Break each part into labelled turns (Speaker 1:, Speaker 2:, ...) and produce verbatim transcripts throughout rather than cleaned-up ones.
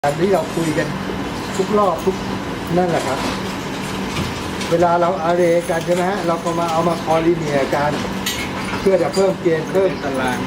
Speaker 1: อันนี้เราคุยกันทุกรอบทุกนั่นแหละครับเวลาเราอาเรกันใช่ไหมฮะเราก็มาเอามาคอลิเนียกันเพื่อจะเพิ่มเกณฑ์เพิ่ม
Speaker 2: ตาราง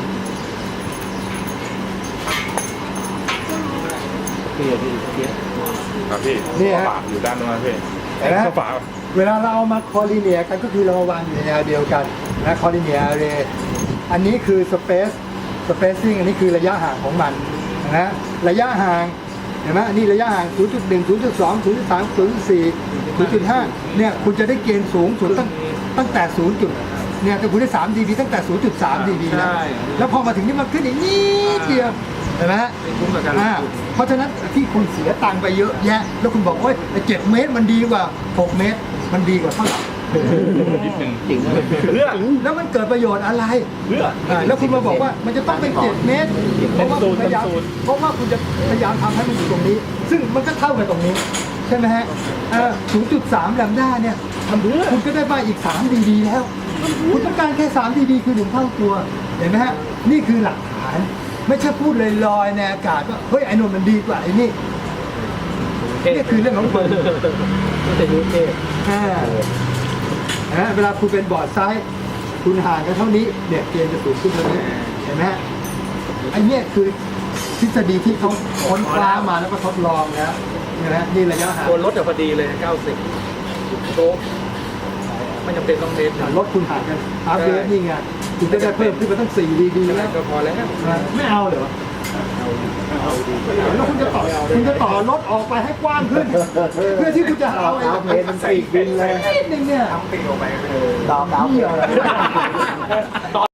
Speaker 2: พี่พี่พี่ครับพี่
Speaker 1: นี่ฮะ
Speaker 2: ฝาอยู่ด้านนู้นพี่
Speaker 1: เห็นไหม
Speaker 2: ฝา
Speaker 1: เวลาเราเอามาคอลิเนียกันก็คือเรามาวางอยู่ในแนวเดียวกันนะคอลิเนียอาเรอันนี้คือสเปซสเปซซิ่งอันนี้คือระยะห่างของมันนะระยะห่างเห็นไหมอันนี้ระยะห่าง ศูนย์จุดหนึ่ง ศูนย์จุดสอง ศูนย์จุดสาม ศูนย์จุดสี่ ศูนย์จุดห้า เนี่ยคุณจะได้เกณฑ์สูงสุดตั้งตั้งแต่ ศูนย์ จุดเนี่ยแต่คุณได้ สาม ดี บี ตั้งแต่ ศูนย์จุดสาม ดี บี แล้วแล้วพอมาถึงนี่มันขึ้นอีกนิดเดียวเห็นไหมฮะ
Speaker 2: ไม่คุ้มกับการลง
Speaker 1: อ่า
Speaker 2: ทุน
Speaker 1: เพราะฉะนั้นที่คุณเสียตังค์ไปเยอะแยะแล้วคุณบอกว่าเจ็ดเมตรมันดีกว่าหกเมตรมันดีกว่าเท่าไหร่
Speaker 2: นิดหนึ่ง
Speaker 3: จริงเลย
Speaker 2: เพื่อ
Speaker 1: แล้วมันเกิดประโยชน์อะไร
Speaker 2: เพื่อ
Speaker 1: อ่าแล้วคุณมาบอกว่ามันจะต้องเป็นเจ็ดเมตรเพราะว่าคุณพยายามเพราะว่าคุณจะพยายามทำให้มันอยู่ตรงนี้ ซึ่งมันก็เท่ากับตรงนี้ใช่ไหมฮะเออ ศูนย์จุดสาม แลมด้าเนี่ยทำเพื่อคุณก็ได้มาอีกสาม ดี บี แล้ว คุณต้องการแค่สาม ดี บี คือหนึ่งเท่าตัวเห็นไหมฮะนี่คือหลักฐานไม่ใช่พูดลอยๆในอากาศว่าเฮ้ยไอ้นนท์มันดีกว่าไอ้นี่นี่คือเรื่องของคุณ
Speaker 3: ก็จะยุ่งเทพ
Speaker 1: อ่านะเวลาคุณเป็นบอร์ดไซส์คุณห่างกันเท่านี้เนี่ยเกณฑ์จะสูงขึ้นเท่านี้เห็นไหมฮะไอ้เนี่ยคือทฤษฎีที่เขาค้นคว้ามาแล้วก็ทดลองแล้วนะฮะนี่ระยะห่าง
Speaker 3: ตัวรถจะพอดีเลยเก้าสิบโชคไม่จำเป็นต้องเมตร
Speaker 1: รถคุณห่างกันอัพเดทนี่ไงคุณจะได้เพิ่มขึ้นมาตั้งสี่ดีดีแล้ว
Speaker 3: ก็พอแล้ว
Speaker 1: ไม่เอาเหรอแล้วคุณจะต่อคุณจะต่อรถออกไปให้กว้างขึ้น เพื่อที่คุณจะเอาไอ้
Speaker 3: เมตรมันสี่บินเลย
Speaker 1: นิดนึงเนี่ย
Speaker 3: ทำปีกออกไป
Speaker 1: ดาวดาวเดียว